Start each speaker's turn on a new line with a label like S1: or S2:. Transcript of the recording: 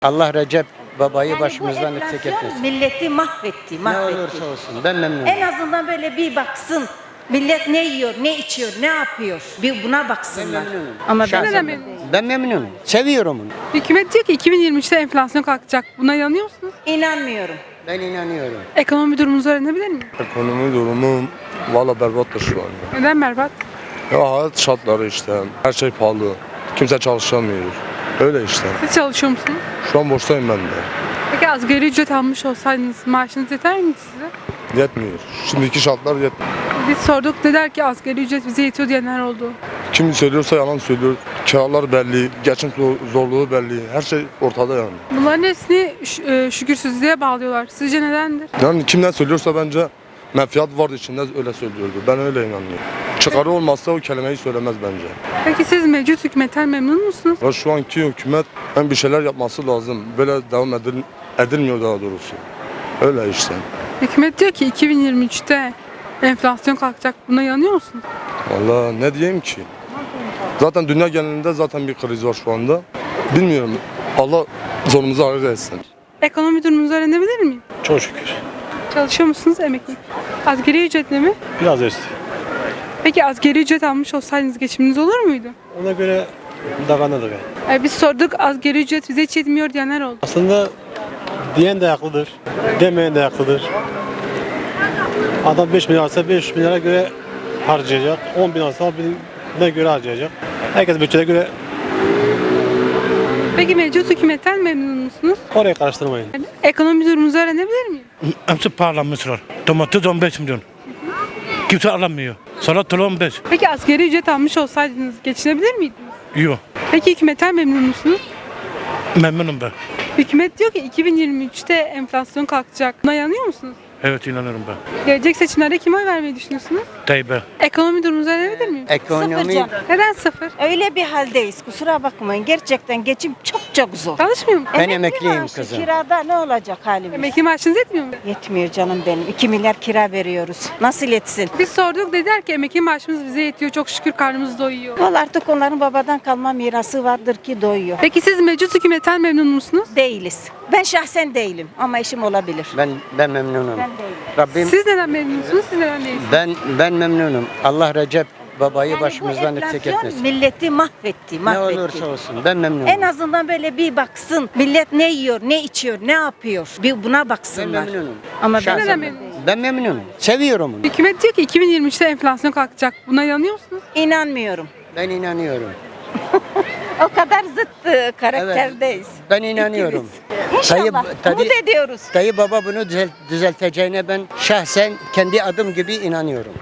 S1: Allah Recep babayı
S2: Yani
S1: başımızdan
S2: bu
S1: eksik
S2: enflasyon
S1: etmesin.
S2: milleti mahvetti,
S1: Ne
S2: mahvetti.
S1: olursa olsun ben memnunum.
S2: En azından böyle bir baksın. Millet ne yiyor, ne içiyor, ne yapıyor? Bir buna
S1: Ben
S2: baksınlar.
S1: memnunum.
S2: Ama
S1: Şahsen
S2: ben
S3: memnunum.
S1: ben memnunum. Seviyorum onu.
S3: Hükümet diyor ki 2023'te enflasyon kalkacak. Buna inanıyor musunuz?
S2: inanmıyorum.
S1: Ben inanıyorum.
S3: Ekonomi durumunuzu öğrenebilir miyim?
S4: Ekonomi durumu valla berbattır şu an.
S3: Neden berbat?
S4: Ya hayat şartları işte. Her şey pahalı. Kimse çalışamıyor. Öyle işte.
S3: Siz çalışıyor musunuz?
S4: Şu an boştayım ben de.
S3: Peki asgari ücret almış olsaydınız maaşınız yeter miydi size?
S4: Yetmiyor. Şimdiki şartlar yetmiyor.
S3: Biz sorduk dediler ki asgari ücret bize yetiyor diyenler oldu.
S4: Kim söylüyorsa yalan söylüyor. Kiralar belli, geçim zorluğu belli. Her şey ortada yani.
S3: Bunların hepsini şükürsüzlüğe bağlıyorlar. Sizce nedendir?
S4: Yani kimden söylüyorsa bence menfaat vardı içinde öyle söylüyordu. Ben öyle inanıyorum. Çıkarı olmazsa o kelimeyi söylemez bence.
S3: Peki siz mevcut hükümetten memnun musunuz?
S4: Ve şu anki hükümet hem bir şeyler yapması lazım. Böyle devam edilmiyor daha doğrusu. Öyle işte.
S3: Hükümet diyor ki 2023'te enflasyon kalkacak. Buna inanıyor musunuz?
S4: Vallahi ne diyeyim ki? Zaten dünya genelinde zaten bir kriz var şu anda. Bilmiyorum. Allah zorumuzu ağır etsin.
S3: Ekonomi durumunuzu öğrenebilir miyim?
S5: Çok şükür.
S3: Çalışıyor musunuz emekli? Asgari ücretle mi?
S5: Biraz üstü.
S3: Peki asgari ücret almış olsaydınız geçiminiz olur muydu?
S5: Ona göre davranılır yani.
S3: Biz sorduk asgari ücret bize hiç yetmiyor diyenler oldu.
S5: Aslında diyen de haklıdır, demeyen de haklıdır. Adam 5 milyar alsa 5 milyara göre harcayacak. 10 bin alsa 10 binine göre harcayacak. Herkes bütçeye göre
S3: Peki mevcut hükümetten memnun musunuz?
S5: oraya karıştırmayın.
S3: Ekonomi durumunuzu öğrenebilir miyim?
S6: Hepsi pahalanmışlar. Domates 15 milyon. Kimse alamıyor. Salatalık 15.
S3: Peki asgari ücret almış olsaydınız geçinebilir miydiniz?
S6: Yok.
S3: Peki hükümetten memnun musunuz?
S6: Memnunum ben.
S3: Hükümet diyor ki 2023'te enflasyon kalkacak. Buna inanıyor musunuz?
S6: Evet inanıyorum ben.
S3: Gelecek seçimlerde kime oy vermeyi düşünüyorsunuz?
S6: Tayyip'e.
S3: Ekonomi durumunuzu öğrenebilir miyim?
S1: Ekonomi
S2: Sıfır
S3: Neden sıfır?
S2: Öyle bir haldeyiz. Kusura bakmayın. Gerçekten geçim çok zor.
S3: Çalışmıyor mu?
S1: Ben
S2: Emekli
S1: emekliyim
S2: maaşı,
S1: kızım.
S2: Kirada ne olacak halimiz?
S3: Emekli maaşınız yetmiyor mu?
S2: Yetmiyor canım benim. 2 milyar kira veriyoruz. Nasıl yetsin?
S3: Biz sorduk dediler ki emekli maaşımız bize yetiyor. Çok şükür karnımız doyuyor.
S2: Vallahi artık onların babadan kalma mirası vardır ki doyuyor.
S3: Peki siz mevcut hükümetten memnun musunuz?
S2: Değiliz. Ben şahsen değilim ama eşim olabilir.
S1: ben memnunum.
S2: Ben değilim.
S1: Rabbim
S3: Siz neden memnunsunuz? Siz neden değilsiniz?
S1: ben memnunum. Allah Recep babayı
S2: Yani
S1: başımızdan
S2: bu
S1: eksik
S2: enflasyon
S1: etmesin.
S2: milleti mahvetti,
S1: Ne
S2: mahvetti.
S1: olursa olsun ben memnunum.
S2: En azından böyle bir baksın. Millet ne yiyor, ne içiyor, ne yapıyor? Bir buna
S1: Ben
S2: baksınlar.
S1: memnunum.
S2: Ama ben
S1: Şahsen
S3: neden
S2: memnun
S3: memnunum?
S1: ben memnunum. Seviyorum onu.
S3: Hükümet diyor ki 2023'te enflasyon kalkacak. Buna inanıyor musunuz?
S2: inanmıyorum.
S1: Ben inanıyorum.
S2: O kadar zıt karakterdeyiz.
S1: Ben inanıyorum.
S2: İnşallah. Umut ediyoruz.
S1: Dayı baba bunu düzelteceğine ben şahsen kendi adım gibi inanıyorum.